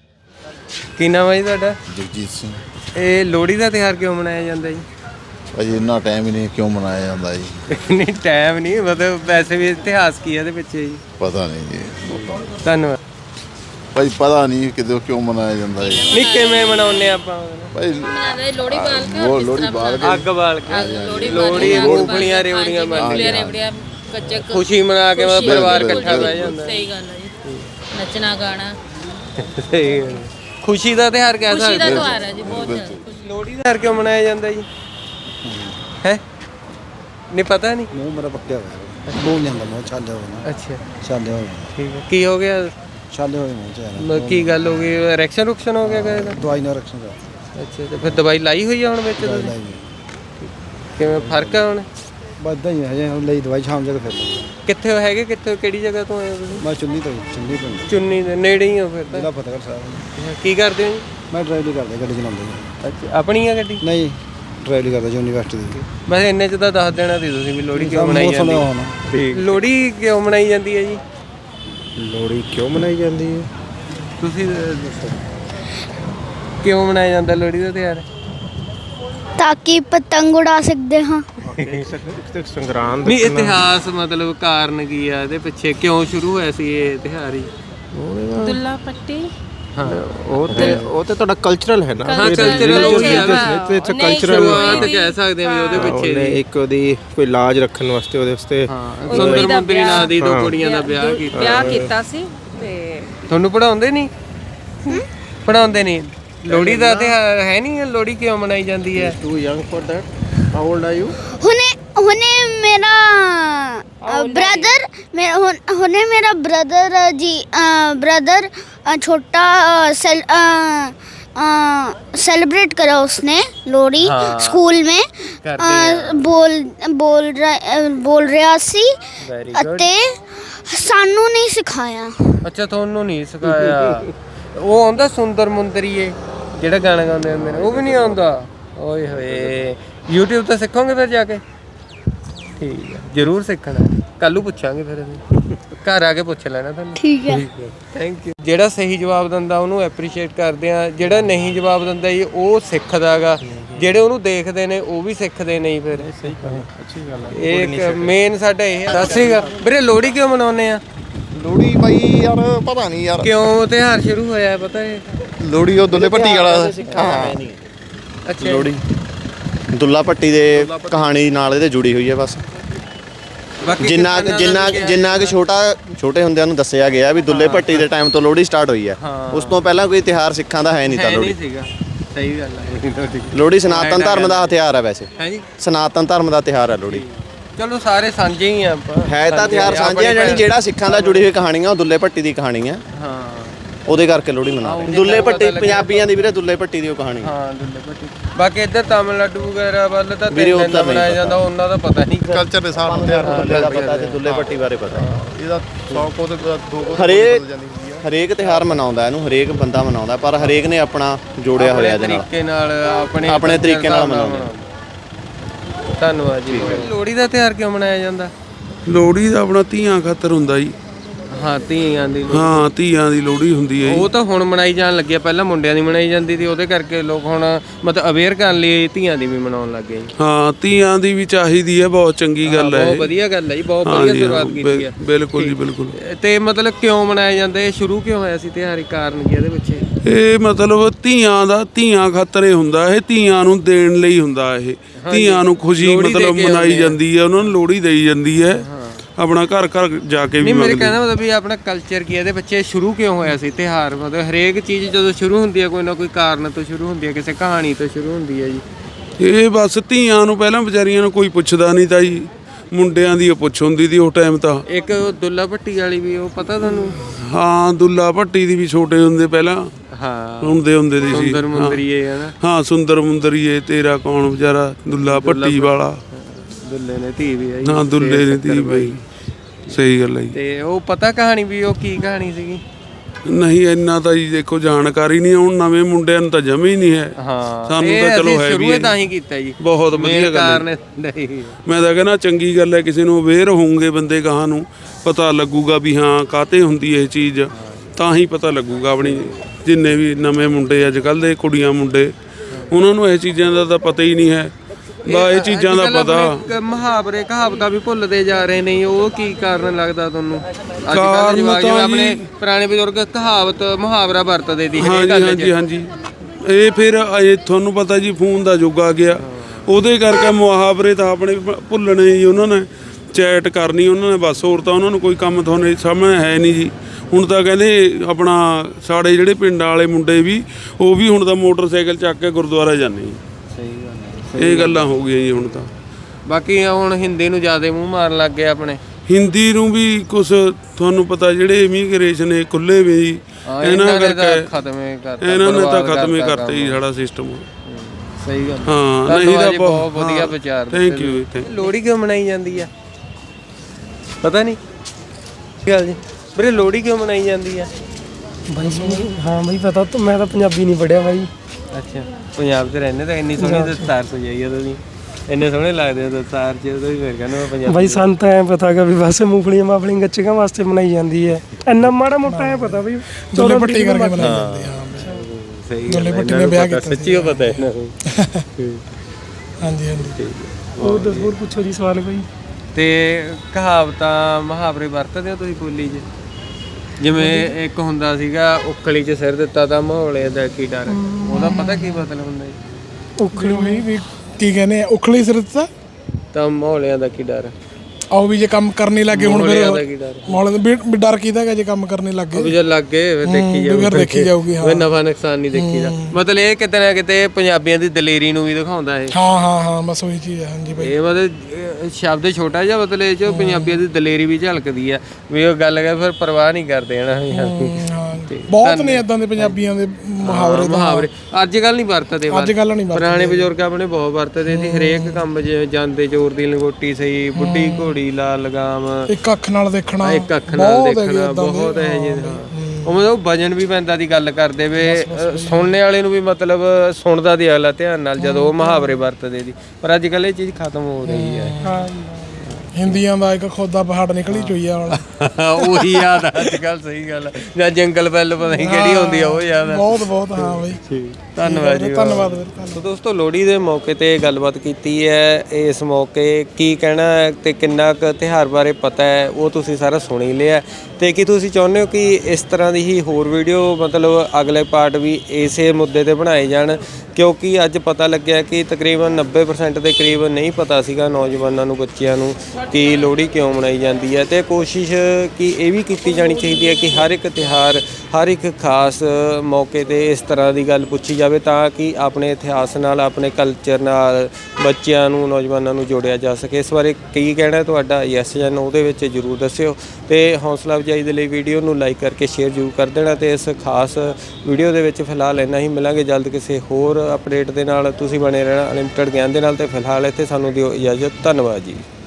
[SPEAKER 1] ਕੀ ਨਾਮ ਹੈ ਜੀ ਤੁਹਾਡਾ?
[SPEAKER 2] ਜਗਜੀਤ ਸਿੰਘ।
[SPEAKER 1] ਇਹ ਲੋਹੜੀ ਦਾ ਤਿਉਹਾਰ ਕਿਉਂ ਮਨਾਇਆ ਜਾਂਦਾ ਜੀ?
[SPEAKER 2] ਭਾਜੀ ਇੰਨਾ ਟਾਈਮ ਹੀ ਨਹੀਂ ਕਿਉਂ ਮਨਾਇਆ ਜਾਂਦਾ ਜੀ?
[SPEAKER 1] ਨਹੀਂ ਟਾਈਮ ਨਹੀਂ, ਮਤਲਬ ਵੈਸੇ ਵੀ ਇਤਿਹਾਸ ਕੀ ਹੈ ਇਹਦੇ ਪਿੱਛੇ ਜੀ?
[SPEAKER 2] ਪਤਾ ਨਹੀਂ ਜੀ।
[SPEAKER 1] ਧੰਨਵਾਦ।
[SPEAKER 2] ਭਾਈ ਪਤਾ ਨਹੀਂ ਕਿਦੋਂ ਕਿਉਂ ਮਨਾਇਆ ਜਾਂਦਾ ਜੀ।
[SPEAKER 1] ਨਹੀਂ ਕਿਵੇਂ ਮਨਾਉਂਦੇ ਆਪਾਂ?
[SPEAKER 2] ਭਾਈ
[SPEAKER 3] ਲੋਹੜੀ ਬਾਲ ਕੇ
[SPEAKER 2] ਉਹ ਲੋਹੜੀ ਬਾਲ ਕੇ
[SPEAKER 1] ਅੱਗ ਬਾਲ ਕੇ
[SPEAKER 3] ਲੋਹੜੀ
[SPEAKER 1] ਲੋਹੜੀ ਮੂੰਗਫਲੀਆਂ ਰੇਵੜੀਆਂ
[SPEAKER 3] ਮੂੰਗਫਲੀਆਂ ਰੇਵੜੀਆਂ ਕੱਚੇ
[SPEAKER 1] ਖੁਸ਼ੀ ਮਨਾ ਕੇ ਮਤਲਬ ਪਰਿਵਾਰ ਇਕੱਠਾ ਬਹਿ ਜਾਂਦਾ।
[SPEAKER 3] ਸਹੀ ਗੱਲ ਹੈ ਜੀ, ਨੱਚਣਾ ਗਾਣਾ
[SPEAKER 1] ਸਹੀ ਗੱਲ। ਖੁਸ਼ੀ ਦਾ ਤਿਉਹਾਰ ਕਹਿ
[SPEAKER 3] ਖੁਸ਼ੀ ਦਾ
[SPEAKER 1] ਸਕਦੇ ਹੋ।
[SPEAKER 3] ਤਿਉਹਾਰ ਹੈ ਜੀ, ਬਹੁਤ ਜ਼ਿਆਦਾ।
[SPEAKER 1] ਲੋਹੜੀ ਦਾ ਤਿਉਹਾਰ ਕਿਉਂ ਮਨਾਇਆ ਜਾਂਦਾ ਜੀ? ਹੈ ਨਹੀਂ ਪਤਾ? ਨਹੀਂ
[SPEAKER 8] ਮੂੰਹ ਮੇਰਾ ਪੱਕਿਆ ਹੋਇਆ ਬੋਲ ਜਾਂਦਾ ਮੈਂ ਛਾਲੇ ਹੋਏ
[SPEAKER 1] ਅੱਛਾ
[SPEAKER 8] ਛਾਲੇ ਹੋਏ
[SPEAKER 1] ਠੀਕ ਹੈ। ਕੀ ਹੋ ਗਿਆ?
[SPEAKER 8] ਛਾਲੇ ਹੋਏ ਮੂੰਹ ਚ ਯਾਰ।
[SPEAKER 1] ਮ- ਕੀ ਗੱਲ ਹੋ ਗਈ? ਰੈਕਸ਼ਨ ਰੁਕਸ਼ਨ ਹੋ ਗਿਆ ਕਿਸੇ ਦਾ?
[SPEAKER 8] ਦਵਾਈ ਨਾਲ ਰੱਖਣ ਦਾ
[SPEAKER 1] ਅੱਛਾ ਤੇ ਫਿਰ ਦਵਾਈ ਲਾਈ ਹੋਈ ਆ ਹੁਣ ਵਿੱਚ
[SPEAKER 8] ਦਵਾਈ
[SPEAKER 1] ਤੁਸੀਂ?
[SPEAKER 8] ਲਾਈ ਹੋਈ।
[SPEAKER 1] ਕਿਵੇਂ ਫਰਕ ਆ ਹੁਣ?
[SPEAKER 8] ਵੱਧਦਾ ਹੀ ਹੈ ਹਜੇ ਹੁਣ ਲਈ ਦਵਾਈ ਸ਼ਾਮ ਜਦ ਫਿਰ ਲਈ।
[SPEAKER 1] ਕਿੱਥੇ ਹੈਗੇ, ਕਿੱਥੇ ਕਿਹੜੀ ਜਗ੍ਹਾ ਤੋਂ ਆਏ ਹੋ ਤੁਸੀਂ?
[SPEAKER 8] ਮੈਂ ਚੁੰਨੀ ਤੋਂ ਜੀ, ਚੁੰਨੀ ਪਿੰਡ
[SPEAKER 1] ਚੁੰਨੀ ਦੇ ਨੇੜੇ ਹੀ ਹੋ ਫਿਰ ਤਾਂ।
[SPEAKER 8] ਜ਼ਿਲ੍ਹਾ ਫਤਿਹਗੜ੍ਹ ਸਾਹਿਬ।
[SPEAKER 1] ਕੀ ਕਰਦੇ ਹੋ ਜੀ?
[SPEAKER 8] ਮੈਂ ਡਰਾਈਵਰੀ ਕਰਦਾ, ਗੱਡੀ ਚਲਾਉਂਦਾ ਜੀ।
[SPEAKER 1] ਅੱਛਾ, ਆਪਣੀ ਆ ਗੱਡੀ?
[SPEAKER 8] ਨਹੀਂ ਡਰਾਈਵਰੀ ਕਰਦਾ ਜੀ ਯੂਨੀਵਰਸਿਟੀ ਦੀ।
[SPEAKER 1] ਬਸ ਇੰਨੇ ਚ ਤਾਂ ਦੱਸ ਦੇਣਾ ਸੀ ਤੁਸੀਂ ਵੀ ਲੋਹੜੀ ਕਿਉਂ ਮਨਾਈ
[SPEAKER 8] ਮੌਸਮ
[SPEAKER 1] ਜਾਂਦੀ
[SPEAKER 8] ਹੋਣਾ।
[SPEAKER 1] ਹੈ। ਲੋਹੜੀ ਕਿਉਂ ਮਨਾਈ ਜਾਂਦੀ ਹੈ ਜੀ?
[SPEAKER 8] ਲੋਹੜੀ ਕਿਉਂ ਮਨਾਈ ਜਾਂਦੀ ਹੈ?
[SPEAKER 1] ਤੁਸੀਂ ਦੱਸੋ ਕਿਉਂ ਮਨਾਇਆ ਜਾਂਦਾ ਲੋਹੜੀ ਦਾ ਤਿਉਹਾਰ?
[SPEAKER 5] ਤਾਂ ਕਿ ਪਤੰਗ ਉਡਾ ਸਕਦੇ ਹਾਂ।
[SPEAKER 8] ਸੰਗਰਾਂਦ
[SPEAKER 1] ਨਹੀਂ, ਇਤਿਹਾਸ ਮਤਲਬ ਕਾਰਨ ਕੀ ਆ ਇਹਦੇ ਪਿੱਛੇ, ਕਿਉਂ ਸ਼ੁਰੂ ਹੋਇਆ ਸੀ ਇਹ ਤਿਉਹਾਰ ਹੀ?
[SPEAKER 3] ਦੁੱਲਾ ਪੱਟੀ
[SPEAKER 1] ਹਾਂ,
[SPEAKER 8] ਉਹ ਤੇ ਉਹ ਤੇ ਤੁਹਾਡਾ ਕਲਚਰਲ ਹੈ ਨਾ।
[SPEAKER 1] ਹਾਂ, ਕਲਚਰਲ ਹੋ ਗਿਆ
[SPEAKER 8] ਇਟਸ
[SPEAKER 3] ਨਹੀਂ,
[SPEAKER 1] ਸ਼ੁਰੂਆਤ ਕਹਿ ਸਕਦੇ ਹਾਂ ਵੀ ਉਹਦੇ ਪਿੱਛੇ ਦੀ।
[SPEAKER 8] ਇੱਕ ਉਹਦੀ ਕੋਈ ਲਾਜ ਰੱਖਣ ਵਾਸਤੇ ਉਹਦੇ ਵਾਸਤੇ
[SPEAKER 1] ਹਾਂ, ਸੁੰਦਰ ਮੁੰਦਰੀ ਨਾਂ ਦੀ ਦੋ ਕੁੜੀਆਂ ਦਾ ਵਿਆਹ ਕੀਤਾ
[SPEAKER 3] ਵਿਆਹ ਕੀਤਾ ਸੀ ਤੇ
[SPEAKER 1] ਤੁਹਾਨੂੰ ਪੜਾਉਂਦੇ ਨਹੀਂ? ਪੜਾਉਂਦੇ ਨਹੀਂ? ਲੋਹੜੀ ਦਾ ਤਿਉਹਾਰ ਹੈ ਨਹੀਂ? ਲੋਹੜੀ ਕਿਉਂ ਮਨਾਈ ਜਾਂਦੀ ਹੈ?
[SPEAKER 8] Too young for that. How old are you?
[SPEAKER 5] ਹੁਣੇ ਹੁਣੇ ਮੇਰਾ ਬ੍ਰਦਰ ਮੇਰਾ ਹੁਣ- ਹੁਣੇ ਮੇਰਾ ਬ੍ਰਦਰ ਜੀ ब्रदर छोटा सेलिब्रेट करा उसने लोहड़ी
[SPEAKER 1] हाँ।
[SPEAKER 5] स्कूल में
[SPEAKER 1] करते
[SPEAKER 5] अ,
[SPEAKER 1] हैं।
[SPEAKER 5] बोल बोल रहा बोल ਰਿਹਾ ਸੀ
[SPEAKER 1] Very good।
[SPEAKER 5] ਅਤੇ ਸਾਨੂੰ ਨਹੀਂ ਸਿਖਾਇਆ।
[SPEAKER 1] ਅੱਛਾ, ਤੁਹਾਨੂੰ ਨਹੀਂ ਸਿਖਾਇਆ। ਉਹ ਆਉਂਦਾ ਸੁੰਦਰ ਮੁੰਦਰੀਏ ਜਿਹੜਾ ਗਾਣਾ ਗਾਉਂਦੇ ਹੁੰਦੇ ਨੇ, ਉਹ ਵੀ ਨਹੀਂ ਆਉਂਦਾ? ਓਏ ਹੋਏ, YouTube ਤੇ ਸਿੱਖੋਗੇ ਫਿਰ ਜਾ ਕੇ? ਠੀਕ ਹੈ, ਜ਼ਰੂਰ ਸਿੱਖਣਾ। ਕੱਲ ਨੂੰ ਪੁੱਛਾਂਗੇ ਫਿਰ ਅਸੀਂ, ਘਰ ਆ ਕੇ ਪੁੱਛ ਲੈਣਾ ਤੁਹਾਨੂੰ।
[SPEAKER 5] ਠੀਕ ਹੈ,
[SPEAKER 1] ਥੈਂਕ ਯੂ। ਜਿਹੜਾ ਸਹੀ ਜਵਾਬ ਦਿੰਦਾ ਉਹਨੂੰ ਐਪਰੀਸ਼ੀਏਟ ਕਰਦੇ ਆ, ਜਿਹੜਾ ਨਹੀਂ ਜਵਾਬ ਦਿੰਦਾ ਜੀ ਉਹ ਸਿੱਖਦਾਗਾ, ਜਿਹੜੇ ਉਹਨੂੰ ਦੇਖਦੇ ਨੇ ਉਹ ਵੀ ਸਿੱਖਦੇ ਨਹੀਂ ਫਿਰ।
[SPEAKER 8] ਸਹੀ ਅੱਛੀ ਗੱਲ ਹੈ।
[SPEAKER 1] ਇਹ ਇੱਕ ਮੇਨ ਸਾਡਾ ਇਹ ਹੈ। ਸਤਿ ਸ਼੍ਰੀ ਅਕਾਲ ਵੀਰੇ, ਲੋਹੜੀ ਕਿਉਂ ਮਨਾਉਂਦੇ ਆ?
[SPEAKER 2] ਲੋਹੜੀ ਬਾਈ ਯਾਰ ਪਤਾ ਨਹੀਂ ਯਾਰ,
[SPEAKER 1] ਕਿਉਂ ਤਿਉਹਾਰ ਸ਼ੁਰੂ ਹੋਇਆ ਪਤਾ ਹੈ?
[SPEAKER 2] ਲੋਹੜੀ ਉਹ ਦੁੱਲੇ ਭੱਟੀ ਵਾਲਾ।
[SPEAKER 8] ਹਾਂ
[SPEAKER 1] ਅੱਛਾ,
[SPEAKER 2] ਲੋਹੜੀ ਦੁੱਲਾ ਭੱਟੀ ਦੇ ਕਹਾਣੀ ਨਾਲ ਇਹਦੇ ਜੁੜੀ ਹੋਈ ਹੈ ਬਸ।
[SPEAKER 1] ਬਾਕੀ
[SPEAKER 2] ਜਿੰਨਾ
[SPEAKER 1] ਕਿਸਾਨਾਂ
[SPEAKER 2] ਜਿੰਨਾ
[SPEAKER 1] ਦਾ
[SPEAKER 2] ਜਿੰਨਾ ਕਿ ਛੋਟਾ ਛੋਟੇ ਹੁੰਦਿਆਂ ਨੂੰ ਦੱਸਿਆ ਗਿਆ ਵੀ ਦੁੱਲੇ ਭੱਟੀ ਦੇ ਟਾਈਮ ਤੋਂ ਲੋਹੜੀ ਸਟਾਰਟ ਹੋਈ ਹੈ। ਉਸ ਤੋਂ ਪਹਿਲਾਂ ਕੋਈ ਤਿਉਹਾਰ ਸਿੱਖਾਂ ਦਾ ਹੈ ਨਹੀਂ ਤਾਂ
[SPEAKER 1] ਹੈ
[SPEAKER 2] ਲੋਹੜੀ।
[SPEAKER 1] ਨਹੀਂ ਸੀਗਾ, ਸਹੀ ਗੱਲ ਹੈ।
[SPEAKER 2] ਲੋਹੜੀ ਸਨਾਤਨ ਧਰਮ ਦਾ ਹਥਿਆਰ ਹੈ ਵੈਸੇ।
[SPEAKER 1] ਹੈ ਜੀ,
[SPEAKER 2] ਸਨਾਤਨ ਧਰਮ ਦਾ ਤਿਉਹਾਰ ਹੈ ਲੋਹੜੀ।
[SPEAKER 1] ਚਲੋ ਸਾਰੇ ਸਾਂਝੇ ਹੀ ਆ ਆਪਾਂ।
[SPEAKER 2] ਹੈ ਤਾਂ ਤਿਉਹਾਰ ਸਾਂਝੇ ਆ, ਜਾਣੀ ਜਿਹੜਾ ਸਿੱਖਾਂ ਦਾ ਜੁੜੀ ਹੋਈ ਕਹਾਣੀ ਆ ਉਹ ਦੁੱਲੇ ਭੱਟੀ ਦੀ ਕਹਾਣੀ ਆ,
[SPEAKER 1] ਹਾਂ
[SPEAKER 2] ਉਹਦੇ ਕਰਕੇ ਲੋਹੜੀ ਮਨਾਉਂਦੇ। ਦੁੱਲੇ ਭੱਟੀ ਪੰਜਾਬੀਆਂ ਦੀ ਵੀਰੇ, ਦੁੱਲੇ ਭੱਟੀ ਦੀ ਉਹ ਕਹਾਣੀ।
[SPEAKER 1] ਹਾਂ, ਦੁੱਲੇ ਭੱਟੀ। ਬਾਕੀ ਇੱਧਰ ਤਮਿਲਨਾਡੂ ਵਗੈਰਾ ਵੱਲ ਤਾਂ
[SPEAKER 2] ਵੀਰੇ
[SPEAKER 1] ਤਿੰਨ
[SPEAKER 2] ਉਹ
[SPEAKER 1] ਦਿਨ ਦਾ
[SPEAKER 2] ਤਾਂ ਨਹੀਂ
[SPEAKER 1] ਮਨਾਇਆ ਜਾਂਦਾ, ਉਹਨਾਂ ਦਾ ਪਤਾ ਨਹੀਂ।
[SPEAKER 7] ਕਲਚਰ ਦੇ ਹਿਸਾਬ ਨਾਲ ਤਿਆਰ
[SPEAKER 2] ਦੁੱਲੇ ਦਾ ਪਤਾ ਤੇ ਦੁੱਲੇ ਭੱਟੀ ਬਾਰੇ ਪਤਾ।
[SPEAKER 7] ਇਹਦਾ ਸੌ ਕੋ ਤੇ ਦੋ ਕੋ
[SPEAKER 2] ਹਰੇਕ ਹਰੇਕ ਤਿਉਹਾਰ ਮਨਾਉਂਦਾ ਇਹਨੂੰ, ਹਰੇਕ ਬੰਦਾ ਮਨਾਉਂਦਾ, ਪਰ ਹਰੇਕ ਨੇ ਆਪਣਾ ਜੋੜਿਆ ਹੋਇਆ ਇਹਦੇ ਨਾਲ,
[SPEAKER 1] ਤਰੀਕੇ ਨਾਲ ਆਪਣੇ
[SPEAKER 2] ਆਪਣੇ ਤਰੀਕੇ ਨਾਲ ਮਨਾਉਂਦੇ।
[SPEAKER 1] ਧੰਨਵਾਦ ਜੀ। ਲੋਹੜੀ ਦਾ ਤਿਉਹਾਰ ਕਿਉਂ ਮਨਾਇਆ ਜਾਂਦਾ?
[SPEAKER 9] ਲੋਹੜੀ ਦਾ ਆਪਣਾ ਧੀਆਂ ਖਾਤਰ ਹੁੰਦਾ ਜੀ।
[SPEAKER 1] ਹਾਂ, ਧੀਆਂ ਦੀ ਲੋਹੜੀ।
[SPEAKER 9] ਹਾਂ, ਧੀਆਂ ਦੀ ਲੋਹੜੀ ਹੁੰਦੀ ਹੈ ਜੀ।
[SPEAKER 1] ਉਹ ਤਾਂ ਹੁਣ ਮਨਾਈ ਜਾਣ ਲੱਗੀ ਆ, ਪਹਿਲਾਂ ਮੁੰਡਿਆਂ ਦੀ ਮਨਾਈ ਜਾਂਦੀ ਸੀ, ਉਹਦੇ ਕਰਕੇ ਲੋਕ ਹੁਣ ਮਤਲਬ ਅਵੇਅਰ ਕਰਨ ਲਈ ਧੀਆਂ ਦੀ ਵੀ ਮਨਾਉਣ ਲੱਗ ਗਏ ਜੀ।
[SPEAKER 9] ਹਾਂ, ਧੀਆਂ ਦੀ ਵੀ ਚਾਹੀਦੀ ਹੈ, ਬਹੁਤ ਚੰਗੀ ਗੱਲ ਹੈ
[SPEAKER 1] ਬਹੁਤ
[SPEAKER 9] ਇਹ।
[SPEAKER 1] ਵਧੀਆ ਗੱਲ ਹੈ ਜੀ, ਬਹੁਤ
[SPEAKER 9] ਹਾਂ
[SPEAKER 1] ਵਧੀਆ
[SPEAKER 9] ਜੀ,
[SPEAKER 1] ਸ਼ੁਰੂਆਤ
[SPEAKER 9] ਹਾਂ,
[SPEAKER 1] ਕੀਤੀ ਹੈ।
[SPEAKER 9] ਬਿਲਕੁਲ ਜੀ, ਬਿਲਕੁਲ।
[SPEAKER 1] ਤੇ ਮਤਲਬ ਕਿਉਂ ਮਨਾਇਆ ਜਾਂਦਾ ਇਹ? ਸ਼ੁਰੂ ਕਿਉਂ ਹੋਇਆ ਸੀ ਤਿਉਹਾਰ? ਕਾਰਨ ਕੀ ਇਹਦੇ ਪਿੱਛੇ?
[SPEAKER 9] ਇਹ ਮਤਲਬ ਧੀਆਂ ਦਾ ਧੀਆਂ ਖਾਤਰ ਇਹ ਹੁੰਦਾ, ਇਹ ਧੀਆਂ ਨੂੰ ਦੇਣ ਲਈ ਹੁੰਦਾ। ਇਹ ਧੀਆਂ ਨੂੰ ਖੁਸ਼ੀ
[SPEAKER 1] ਲੋਹੜੀ ਦੇ
[SPEAKER 9] ਮਤਲਬ
[SPEAKER 1] ਕੇ
[SPEAKER 9] ਮਨਾਈ
[SPEAKER 1] ਆਉਂਦੇ ਆ।
[SPEAKER 9] ਜਾਂਦੀ ਹੈ, ਉਹਨਾਂ ਨੂੰ ਲੋਹੜੀ ਦੇਈ ਜਾਂਦੀ ਹੈ, ਆਪਣਾ ਘਰ ਘਰ ਜਾ ਕੇ ਵੀ
[SPEAKER 1] ਨਹੀਂ, ਮੇਰੇ
[SPEAKER 9] ਮੰਗਦੀ।
[SPEAKER 1] ਕਹਿਣਾ ਮਤਲਬ ਵੀ ਆਪਣਾ ਕਲਚਰ ਕੀ ਇਹਦੇ ਪਿੱਛੇ ਸ਼ੁਰੂ ਕਿਉਂ ਹੋਇਆ ਸੀ ਤਿਉਹਾਰ? ਮਤਲਬ ਹਰੇਕ ਚੀਜ਼ ਜਦੋਂ ਸ਼ੁਰੂ ਹੁੰਦੀ ਹੈ ਕੋਈ ਨਾ ਕੋਈ ਕਾਰਨ ਤੋਂ ਸ਼ੁਰੂ ਹੁੰਦੀ ਹੈ, ਕਿਸੇ ਕਹਾਣੀ ਤੋਂ ਸ਼ੁਰੂ ਹੁੰਦੀ ਹੈ ਜੀ।
[SPEAKER 9] ਇਹ ਬਸ ਧੀਆਂ ਨੂੰ ਪਹਿਲਾਂ ਵਿਚਾਰੀਆਂ ਨੂੰ ਕੋਈ ਪੁੱਛਦਾ ਨਹੀਂ ਤਾਂ ਜੀ, ਮੁੰਡਿਆਂ ਦੀ ਉਹ ਪੁੱਛ ਹੁੰਦੀ ਸੀ ਉਹ ਟਾਈਮ ਤਾਂ।
[SPEAKER 1] ਇੱਕ ਉਹ ਦੁੱਲਾ ਭੱਟੀ ਵਾਲੀ ਵੀ ਉਹ ਪਤਾ ਤੁਹਾਨੂੰ?
[SPEAKER 9] ਹਾਂ, ਦੁੱਲਾ ਭੱਟੀ ਦੀ ਵੀ ਛੋਟੇ ਹੁੰਦੇ ਪਹਿਲਾਂ
[SPEAKER 1] ਹਾਂ,
[SPEAKER 9] ਹੁੰਦੇ ਹੁੰਦੇ ਦੀ ਸੀ।
[SPEAKER 1] ਸੁੰਦਰ ਮੁੰਦਰੀਏ ਹੈ ਨਾ।
[SPEAKER 9] ਹਾਂ, ਸੁੰਦਰ ਮੁੰਦਰੀਏ ਤੇਰਾ ਕੌਣ ਵਿਚਾਰਾ, ਦੁੱਲਾ ਭੱਟੀ ਵਾਲਾ।
[SPEAKER 1] ਦੁੱਲੇ ਨੇ ਧੀ ਵੀ ਆਈ।
[SPEAKER 9] ਹਾਂ, ਦੁੱਲੇ ਨੇ ਧੀ ਪਈ। ਸਹੀ ਗੱਲ ਹੈ ਜੀ।
[SPEAKER 1] ਤੇ ਉਹ ਪਤਾ ਕਹਾਣੀ ਵੀ ਉਹ ਕੀ ਕਹਾਣੀ ਸੀਗੀ?
[SPEAKER 9] ਨਹੀਂ, ਇੰਨਾ ਤਾਂ ਜੀ ਦੇਖੋ ਜਾਣਕਾਰੀ ਨਹੀਂ, ਹੁਣ ਨਵੇਂ ਮੁੰਡਿਆਂ ਨੂੰ ਤਾਂ ਜਮੇ ਹੀ ਨਹੀਂ ਹੈ।
[SPEAKER 1] ਹਾਂ,
[SPEAKER 9] ਸਾਨੂੰ
[SPEAKER 1] ਇਹ
[SPEAKER 9] ਤਾਂ ਚਲੋ
[SPEAKER 1] ਅਸੀਂ
[SPEAKER 9] ਹੈ ਵੀ
[SPEAKER 1] ਸ਼ੁਰੂ
[SPEAKER 9] ਹੈ।
[SPEAKER 1] ਤਾਂ ਹੀ ਕੀਤਾ ਜੀ,
[SPEAKER 9] ਬਹੁਤ ਵਧੀਆ
[SPEAKER 1] ਮੇਨ
[SPEAKER 9] ਗੱਲ
[SPEAKER 1] ਕਾਰਨ
[SPEAKER 9] ਹੈ।
[SPEAKER 1] ਨਹੀਂ।
[SPEAKER 9] ਮੈਂ ਤਾਂ ਕਹਿੰਦਾ ਚੰਗੀ ਗੱਲ ਹੈ, ਕਿਸੇ ਨੂੰ ਅਵੇਅਰ ਹੋਣਗੇ ਬੰਦੇ, ਗਾਹਾਂ ਨੂੰ ਪਤਾ ਲੱਗੂਗਾ ਵੀ ਹਾਂ ਕਾਹਤੇ ਹੁੰਦੀ ਇਹ ਚੀਜ਼, ਤਾਂ ਹੀ ਪਤਾ ਲੱਗੂਗਾ। ਆਪਣੀ ਜਿੰਨੇ ਵੀ ਨਵੇਂ ਮੁੰਡੇ ਅੱਜ ਕੱਲ੍ਹ ਦੇ ਕੁੜੀਆਂ ਮੁੰਡੇ, ਉਹਨਾਂ ਨੂੰ ਇਹ ਚੀਜ਼ਾਂ ਦਾ ਤਾਂ ਪਤਾ ਹੀ ਨਹੀਂ ਹੈ। ਬਾ ਇਹ ਚੀਜ਼ਾਂ ਦਾ ਪਤਾ।
[SPEAKER 1] ਮੁਹਾਵਰੇ ਕਹਾਵਤਾਂ ਵੀ ਭੁੱਲਦੇ ਜਾ ਰਹੇ ਨੇ, ਉਹ ਕੀ ਕਾਰਨ ਲੱਗਦਾ ਤੁਹਾਨੂੰ? ਅੱਜ
[SPEAKER 9] ਕਾਰਨ
[SPEAKER 1] ਕੱਲ੍ਹ ਜਵਾਕ ਜਿਵੇਂ
[SPEAKER 9] ਤਾਂ
[SPEAKER 1] ਆਪਣੇ
[SPEAKER 9] ਜੀ-
[SPEAKER 1] ਪੁਰਾਣੇ ਬਜ਼ੁਰਗ ਕਹਾਵਤ ਮੁਹਾਵਰਾ ਵਰਤਦੇ ਦੀ
[SPEAKER 9] ਹਾਂਜੀ ਹਾਂਜੀ ਹਾਂਜੀ। ਇਹ ਫਿਰ ਇਹ ਤੁਹਾਨੂੰ ਪਤਾ ਜੀ, ਫੋਨ ਦਾ ਯੁੱਗ ਆ ਗਿਆ, ਉਹਦੇ ਕਰਕੇ ਮੁਹਾਵਰੇ ਤਾਂ ਆਪਣੇ ਭੁੱਲਣੇ ਜੀ। ਉਹਨਾਂ ਨੇ ਚੈਟ ਕਰਨੀ ਉਹਨਾਂ ਨੇ ਬਸ, ਹੋਰ ਤਾਂ ਉਹਨਾਂ ਨੂੰ ਕੋਈ ਕੰਮ ਤੁਹਾਨੂੰ ਸਾਹਮਣੇ ਹੈ ਨਹੀਂ ਜੀ। ਹੁਣ ਤਾਂ ਕਹਿੰਦੇ ਆਪਣਾ ਸਾਡੇ ਜਿਹੜੇ ਪਿੰਡਾਂ ਵਾਲੇ ਮੁੰਡੇ ਵੀ, ਉਹ ਵੀ ਹੁਣ ਤਾਂ ਮੋਟਰਸਾਈਕਲ ਚੱਕ ਕੇ ਗੁਰਦੁਆਰਾ ਜਾਂਦੇ ਜੀ।
[SPEAKER 1] ਸਹੀ ਗੱਲ ਹੈ।
[SPEAKER 9] ਇਹ ਗੱਲਾਂ ਹੋ ਗਈਆਂ ਜੀ ਹੁਣ ਤਾਂ।
[SPEAKER 1] ਬਾਕੀ ਹੁਣ ਹਿੰਦੀ ਨੂੰ ਜ਼ਿਆਦਾ ਮੂੰਹ ਮਾਰਨ ਲੱਗ ਗਏ ਆਪਣੇ।
[SPEAKER 9] ਹਿੰਦੀ ਨੂੰ ਵੀ ਕੁਝ ਤੁਹਾਨੂੰ ਪਤਾ, ਜਿਹੜੇ ਇਮੀਗ੍ਰੇਸ਼ਨ ਇਹ ਖੁੱਲੇ ਵੀ ਜੀ, ਇਹਨਾਂ ਕਰਕੇ
[SPEAKER 1] ਖਤਮ ਹੀ ਕਰਤਾ,
[SPEAKER 9] ਇਹਨਾਂ ਨੇ ਤਾਂ
[SPEAKER 1] ਬਰਬਾਦ
[SPEAKER 9] ਖਤਮ ਹੀ
[SPEAKER 1] ਕਰਤਾ
[SPEAKER 9] ਕਰਤਾ ਜੀ
[SPEAKER 1] ਕੰਮ।
[SPEAKER 9] ਸਾਡਾ ਸਿਸਟਮ।
[SPEAKER 4] ਸਹੀ ਗੱਲ
[SPEAKER 9] ਹਾਂ ਨਹੀਂ
[SPEAKER 4] ਧੰਨਵਾਦ
[SPEAKER 9] ਤਾਂ
[SPEAKER 4] ਜੀ, ਬਹੁਤ ਵਧੀਆ ਵਿਚਾਰ
[SPEAKER 9] ਥੈਂਕ ਯੂ ਥੈਂਕ
[SPEAKER 1] ਲੋਹੜੀ ਕਿਉਂ ਮਨਾਈ ਜਾਂਦੀ ਆ? ਪਤਾ ਨਹੀਂ ਕੀ ਗੱਲ ਜੀ ਵੀਰੇ, ਲੋਹੜੀ ਕਿਉਂ ਮਨਾਈ ਜਾਂਦੀ ਆ?
[SPEAKER 10] ਬਾਈ ਹਾਂ ਬਾਈ ਪਤਾ ਤਾਂ ਮੈਂ ਤਾਂ ਪੰਜਾਬੀ ਨਹੀਂ ਪੜਿਆ ਬਾਈ।
[SPEAKER 1] ਅੱਛਾ, ਪੰਜਾਬ 'ਚ ਰਹਿੰਦੇ ਤਾਂ ਇੰਨੀ ਸੋਹਣੀ ਦਸਤਾਰ ਸਜਾਈ ਆ ਤੁਸੀਂ, ਇੰਨੇ ਸੋਹਣੇ ਲੱਗਦੇ ਆ ਦਸਤਾਰ 'ਚ ਤੁਸੀਂ, ਫਿਰ ਕਹਿੰਦੇ ਮੈਂ ਪੰਜਾਬੀ।
[SPEAKER 10] ਬਾਈ ਸਾਨੂੰ ਤਾਂ ਐਂ ਪਤਾ ਗਾ ਵੀ ਬਸ ਮੂੰਗਫਲੀਆਂ ਮਾਫਲੀਆਂ ਗੱਚਕਾਂ ਵਾਸਤੇ ਮਨਾਈ ਜਾਂਦੀ ਹੈ, ਇੰਨਾ ਮਾੜਾ ਮੋਟਾ ਐਂ ਪਤਾ ਬਈ
[SPEAKER 7] ਦੁੱਲੇ ਭੱਟੀ ਕਰਕੇ ਬਣਾਈ ਜਾਂਦੀ ਹਾਂ
[SPEAKER 1] ਸਹੀ
[SPEAKER 7] ਦੁੱਲੇ ਭੱਟੀ ਨੇ ਵਿਆਹ ਕੀਤਾ
[SPEAKER 1] ਸੱਚੀ ਉਹ ਪਤਾ ਇਹਨਾਂ ਨੂੰ।
[SPEAKER 7] ਹਾਂਜੀ ਹਾਂਜੀ
[SPEAKER 10] ਹੋਰ ਦੱਸ, ਹੋਰ ਪੁੱਛੋ ਜੀ ਸਵਾਲ ਕੋਈ।
[SPEAKER 1] ਤੇ ਕਹਾਵਤਾਂ ਮੁਹਾਵਰੇ ਵਰਤਦੇ ਹੋ ਤੁਸੀਂ ਬੋਲੀ 'ਚ? ਜਿਵੇਂ ਇੱਕ ਹੁੰਦਾ ਸੀਗਾ, ਉਖਲੀ 'ਚ ਸਿਰ ਦਿੱਤਾ ਤਾਂ ਮਾਹੌਲੇ ਦਾ ਕੀ ਡਰ, ਉਹਦਾ ਪਤਾ ਕੀ ਮਤਲਬ ਹੁੰਦਾ ਜੀ?
[SPEAKER 7] ਉਖਲੀ ਵੀ ਕੀ ਕਹਿੰਦੇ ਆ, ਉਖਲੀ ਸਿਰ ਦਿੱਤਾ
[SPEAKER 1] ਤਾਂ ਮਾਹੌਲਿਆਂ ਦਾ ਕੀ ਡਰ?
[SPEAKER 7] ਆਓ ਵੀ ਜੇ ਕੰਮ ਕਰਨੀ ਲੱਗੇ ਹੁਣ
[SPEAKER 1] ਮਾਹੌਲਿਆਂ ਦਾ ਕੀ ਡਰ?
[SPEAKER 7] ਫਿਰ ਮੌਲੇ ਵੀ ਡਰ ਕਿਹਦਾ ਹੈਗਾ ਜੇ ਕੰਮ ਕਰਨੀ ਲੱਗੇ
[SPEAKER 1] ਵੀ ਜੇ ਲੱਗ ਗਏ ਫਿਰ ਦੇਖੀ ਜਾਊਗੀ,
[SPEAKER 7] ਫਿਰ ਦੇਖੀ ਜਾਊਗੀ, ਹਾਂ।
[SPEAKER 1] ਫਿਰ ਨਫਾ ਨੁਕਸਾਨ ਨਹੀਂ ਦੇਖੀਦਾ। ਮਤਲਬ ਇਹ ਕਿਤੇ ਨਾ ਕਿਤੇ ਪੰਜਾਬੀਆਂ ਦੀ ਦਲੇਰੀ ਨੂੰ ਵੀ ਦਿਖਾਉਂਦਾ ਇਹ।
[SPEAKER 7] ਹਾਂ ਹਾਂ ਹਾਂ ਬਸ ਉਹੀ ਚੀਜ਼ ਹੈ। ਹਾਂਜੀ ਬਾਈ
[SPEAKER 1] ਇਹ ਮਤਲਬ ਇਹ ਸ਼ਬਦ ਛੋਟਾ ਜਿਹਾ, ਮਤਲਬ ਇਹ 'ਚ ਪੰਜਾਬੀਆਂ ਦੀ ਦਲੇਰੀ ਵੀ ਝਲਕਦੀ ਆ ਵੀ ਉਹ ਗੱਲ ਕਰ ਫਿਰ ਪਰਵਾਹ ਨਹੀਂ ਕਰਦੇ ਹਨਾ।
[SPEAKER 7] ਹਾਂ ਬਹੁਤ ਨੇ ਇਦਾਂ ਦੇ ਪੰਜਾਬੀਆਂ ਦੇ ਮੁਹਾਵਰੇ
[SPEAKER 1] ਮੁਹਾਵਰੇ ਅੱਜ ਕੱਲ ਨਹੀਂ ਵਰਤਦੇ,
[SPEAKER 7] ਅੱਜ ਕੱਲ ਨਹੀਂ ਵਰਤਦੇ।
[SPEAKER 1] ਪੁਰਾਣੇ ਬਜ਼ੁਰਗ ਆਪਣੇ ਬਹੁਤ ਵਰਤਦੇ ਸੀ। ਹਰੇਕ ਕੰਮ ਜਿਵੇਂ ਜਾਂਦੇ ਚੋਰ ਦੀ ਲੰਗੋਟੀ ਸਹੀ, ਬੁੱਢੀ ਘੋੜੀ ਲਾ ਲਗਾਮ,
[SPEAKER 7] ਇੱਕ ਅੱਖ ਨਾਲ ਦੇਖਣਾ,
[SPEAKER 1] ਇੱਕ ਅੱਖ ਨਾਲ ਦੇਖਣਾ, ਬਹੁਤ ਹੈ ਜੀ। ਉਹ ਮਤਲਬ ਵਜਨ ਵੀ ਪੈਂਦਾ ਦੀ ਗੱਲ ਕਰਦੇ ਵੇ, ਸੁਣਨੇ ਵਾਲੇ ਨੂੰ ਵੀ ਮਤਲਬ ਸੁਣਦਾ ਦੀ ਅਗਲਾ ਧਿਆਨ ਨਾਲ ਜਦੋਂ ਉਹ ਮੁਹਾਵਰੇ ਵਰਤਦੇ ਦੀ। ਪਰ ਅੱਜ ਕੱਲ ਇਹ ਚੀਜ਼ ਖਤਮ ਹੋ ਰਹੀ ਹੈ।
[SPEAKER 7] ਹਿੰਦੀਆਂ ਦਾ ਇੱਕ ਖੋਦਾ ਪਹਾੜ ਨਿਕਲੀ ਚੋਈਆ ਵਾਲਾ
[SPEAKER 1] ਉਹੀ ਯਾਦ ਆ ਅੱਜ ਕੱਲ। ਸਹੀ ਗੱਲ ਆ। ਜਾਂ ਜੰਗਲ ਬੈਲ ਪਤਾ ਨਹੀਂ ਕਿਹੜੀ ਹੁੰਦੀ ਆ, ਉਹ ਯਾਦ ਆ।
[SPEAKER 7] ਬਹੁਤ ਬਹੁਤ ਹਾਂ ਬਾਈ,
[SPEAKER 1] ਧੰਨਵਾਦ ਜੀ,
[SPEAKER 7] ਧੰਨਵਾਦ ਵੀਰ।
[SPEAKER 1] ਸੋ ਦੋਸਤੋ, ਲੋਹੜੀ ਦੇ ਮੌਕੇ ਤੇ ਗੱਲਬਾਤ ਕੀਤੀ ਹੈ। ਇਸ ਮੌਕੇ ਕੀ ਕਹਿਣਾ ਹੈ ਤੇ ਕਿੰਨਾ ਕੁ ਤਿਉਹਾਰ ਬਾਰੇ ਪਤਾ ਹੈ ਉਹ ਤੁਸੀਂ ਸਾਰਾ ਸੁਣ ਹੀ ਲਿਆ। ਤੇ ਕੀ ਤੁਸੀਂ ਚਾਹੁੰਦੇ ਹੋ ਕਿ ਇਸ ਤਰ੍ਹਾਂ ਦੀ ਹੀ ਹੋਰ ਵੀਡੀਓ ਮਤਲਬ ਅਗਲੇ ਪਾਰਟ ਵੀ ਇਸੇ ਮੁੱਦੇ ਤੇ ਬਣਾਏ ਜਾਣ? ਕਿਉਂਕਿ ਅੱਜ ਪਤਾ ਲੱਗਿਆ ਕਿ ਤਕਰੀਬਨ ਨੱਬੇ ਪਰਸੈਂਟ ਦੇ ਕਰੀਬ ਨਹੀਂ ਪਤਾ ਸੀਗਾ ਨੌਜਵਾਨਾਂ ਨੂੰ, ਬੱਚਿਆਂ ਨੂੰ, ਕਿ ਲੋਹੜੀ ਕਿਉਂ ਮਨਾਈ ਜਾਂਦੀ ਹੈ। ਤੇ ਕੋਸ਼ਿਸ਼ ਕਿ ਇਹ ਵੀ ਕੀਤੀ ਜਾਣੀ ਚਾਹੀਦੀ ਹੈ ਕਿ ਹਰ ਇੱਕ ਤਿਉਹਾਰ, ਹਰ ਇੱਕ ਖਾਸ ਮੌਕੇ ਤੇ ਇਸ ਤਰ੍ਹਾਂ ਦੀ ਗੱਲ ਪੁੱਛੀ ਜਾਵੇ ਤਾਂ ਕਿ ਆਪਣੇ ਇਤਿਹਾਸ ਨਾਲ, ਆਪਣੇ ਕਲਚਰ ਨਾਲ ਬੱਚਿਆਂ ਨੂੰ, ਨੌਜਵਾਨਾਂ ਨੂੰ ਜੋੜਿਆ ਜਾ ਸਕੇ। ਇਸ ਬਾਰੇ ਕੀ ਕਹਿਣਾ ਤੁਹਾਡਾ? ਯੈਸ ਜਾਂ ਨੋ ਦੇ ਵਿੱਚ ਜ਼ਰੂਰ ਦੱਸਿਓ। ਤੇ ਹੌਸਲਾ ਅਫਜ਼ਾਈ ਦੇ ਲਈ ਵੀਡੀਓ ਨੂੰ ਲਾਈਕ ਕਰਕੇ ਸ਼ੇਅਰ ਜ਼ਰੂਰ ਕਰ ਦੇਣਾ। ਤੇ ਇਸ ਖਾਸ ਵੀਡੀਓ ਦੇ ਵਿੱਚ ਫਿਲਹਾਲ ਇੰਨਾ ਹੀ। ਮਿਲਾਂਗੇ ਜਲਦ ਕਿਸੇ ਹੋਰ ਅਪਡੇਟ ਦੇ ਨਾਲ। ਤੁਸੀਂ ਬਣੇ ਰਹਿਣਾ ਅਨਲਿਮਟਿਡ ਗਿਆਨ ਦੇ ਨਾਲ। ਤੇ ਫਿਲਹਾਲ ਇੱਥੇ ਸਾਨੂੰ ਦਿਓ ਇਜਾਜ਼ਤ। ਧੰਨਵਾਦ ਜੀ।